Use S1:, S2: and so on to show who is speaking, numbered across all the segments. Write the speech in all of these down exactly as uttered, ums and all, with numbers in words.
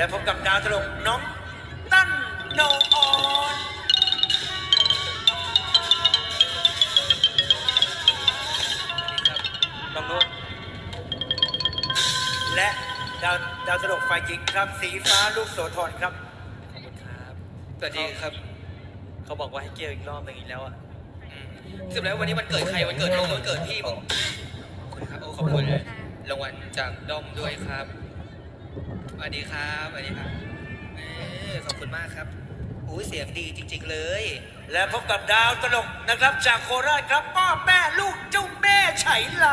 S1: และพบกับดาวตลกน้องตั้นโนออนน้องนุ่นและดาวดาวตลกฝ่ายหญิงครับสีฟ้าลูกโสธรครับขอบคุณครับสวัสดีครับเขาบอกว่าให้เกี่ยวอีกรอบหนึ่งอีกแล้วอ่ะสรุปแล้ววันนี้มันเกิดใครวันเกิดน้องวันเกิดพี่มึงขอบคุณครับโอ้ขอบคุณรางวัลจากด้อมด้วยครับสวัสดีครับสวัสดีครับขอบคุณมากครับอู้เสียงดีจริงๆเลยและพบกับดาวตลกนะครับจากโคราชครับพ่อแม่ลูกเจ้าแม่ไฉไล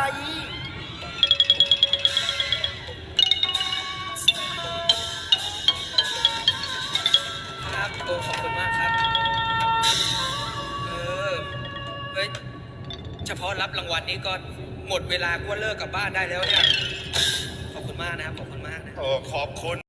S1: ครับโอ้ขอบคุณมากครับเออเฮ้ยเฉพาะรับรางวัลนี้ก็หมดเวลาก็เลิกกลับบ้านได้แล้วเนี่ยขอบคุณมากนะครับขอบคุณมากนะโอ้ขอบคุณ